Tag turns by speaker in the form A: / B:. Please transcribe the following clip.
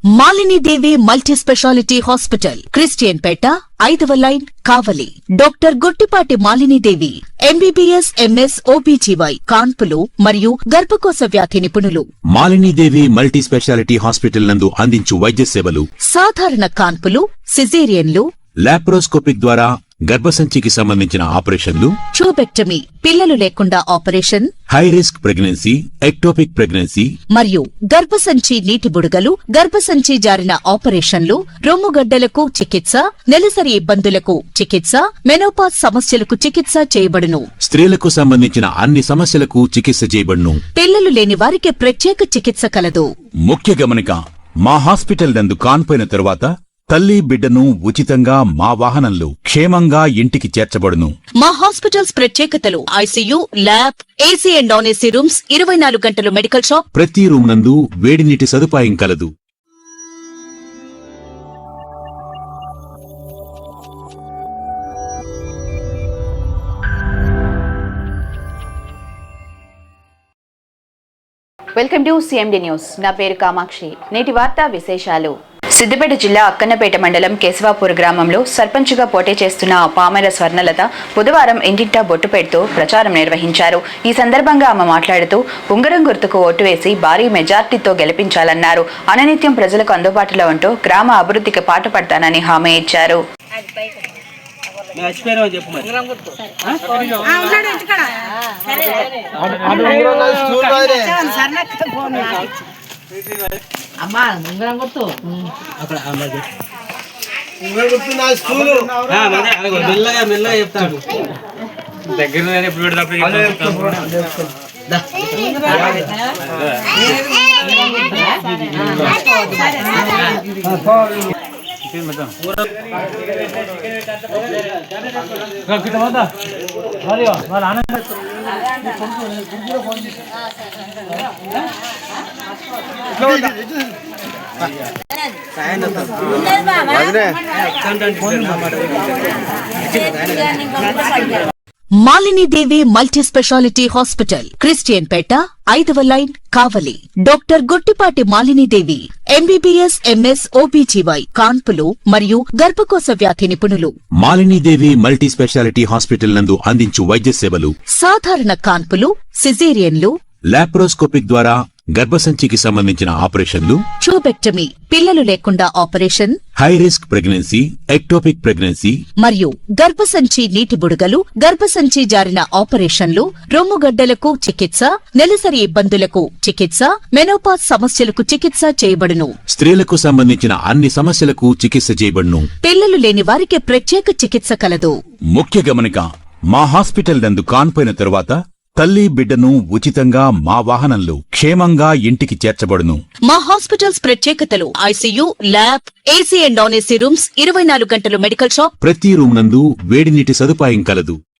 A: Malini Devi multi speciality hospital, Christian Peta, 5వ line, Kavali. Doctor Guttipati Malinidevi, MBBS, MS, OBGY, కాన్పులు మరియు గర్భకోశ వ్యాధి నిపుణులు.
B: మాలినీదేవి మల్టీ స్పెషాలిటీ హాస్పిటల్ నందు అందించు వైద్య సేవలు:
A: సాధారణ కాన్పులు, సిజేరియన్లు,
B: లాప్రోస్కోపిక్ ద్వారా గర్భసంచికి సంబంధించిన ఆపరేషన్లు,
A: ట్యూబెక్టమీ, పిల్లలు లేకుండా operation,
B: high risk pregnancy, ectopic pregnancy
A: మరియు గర్భసంచి నీటి బుడగలు, గర్భసంచి జారిన ఆపరేషన్లు, రొమ్ముగడ్డలకు చికిత్స, నెలసరి ఇబ్బందులకు చికిత్స, మెనోపాజ్ సమస్యలకు చికిత్స చేయబడును.
B: స్త్రీలకు సంబంధించిన అన్ని సమస్యలకు చికిత్స చేయబడును.
A: పిల్లలు లేని వారికి ప్రత్యేక చికిత్స కలదు.
B: ముఖ్య గమనిక: మా హాస్పిటల్ నందు కాన్పోయిన తరువాత తల్లి బిడ్డను ఉచితంగా మా వాహనంలో క్షేమంగా ఇంటికి చేర్చబడును.
A: మా హాస్పిటల్స్ ప్రత్యేకతలు: ICU, lab, AC and non AC rooms, 24 గంటలు మెడికల్ షాప్,
B: ప్రతి రూమ్ నందు వేడి నీటి సదుపాయం కలదు.
C: Welcome to CMD news. నా పేరు కామాక్షి. నేటి వార్తా విశేషాలు: సిద్దిపేట జిల్లా అక్కన్నపేట మండలం కేశవాపూర్ గ్రామంలో సర్పంచ్గా పోటీ చేస్తున్న పామెర స్వర్ణలత బుధవారం ఇంటింటా బొట్టు పెడుతూ ప్రచారం నిర్వహించారు. ఈ సందర్భంగా ఆమె మాట్లాడుతూ ఉంగరం గుర్తుకు ఓటు వేసి భారీ మెజార్టీతో గెలిపించాలన్నారు. అననిత్యం ప్రజలకు అందుబాటులో ఉంటూ గ్రామ అభివృద్ధికి పాటుపడతానని హామీ ఇచ్చారు.
D: అమ్మా ఉంగరం గుర్తు మెల్లగా మెల్లగా చెప్తాడు. దగ్గర ఎప్పుడు పెడతాడు.
A: Malinidevi multi speciality hospital, Christian Peta, 5వ line, Kavali. Doctor Guttipati Malinidevi, MBBS, MS, OBGY, కాన్పులు మరియు గర్భకోశ వ్యాధి నిపుణులు.
B: మాలినీదేవి మల్టీ స్పెషాలిటీ హాస్పిటల్ నందు అందించు వైద్య సేవలు:
A: సాధారణ కాన్పులు, సిజేరియన్లు,
B: లాప్రోస్కోపిక్ ద్వారా గర్భసంచికి సంబంధించిన ఆపరేషన్లు,
A: ట్యూబెక్టమీ, పిల్లలు లేకుండా operation,
B: high risk pregnancy, ectopic pregnancy
A: మరియు గర్భసంచి నీటి బుడగలు, గర్భసంచి జారిన ఆపరేషన్లు, రొమ్ముగడ్డలకు చికిత్స, నెలసరి ఇబ్బందులకు చికిత్స, మెనోపాజ్ సమస్యలకు చికిత్స చేయబడును.
B: స్త్రీలకు సంబంధించిన అన్ని సమస్యలకు చికిత్స చేయబడును.
A: పిల్లలు లేని వారికి ప్రత్యేక చికిత్స కలదు.
B: ముఖ్య గమనిక: మా హాస్పిటల్ నందు కాన్పోయిన తరువాత తల్లి బిడ్డను ఉచితంగా మా వాహనంలో క్షేమంగా ఇంటికి చేర్చబడును.
A: మా హాస్పిటల్స్ ప్రత్యేకతలు: ICU, lab, AC and non AC rooms, 24 గంటలు మెడికల్ షాప్,
B: ప్రతి రూమ్ నందు వేడి నీటి సదుపాయం కలదు.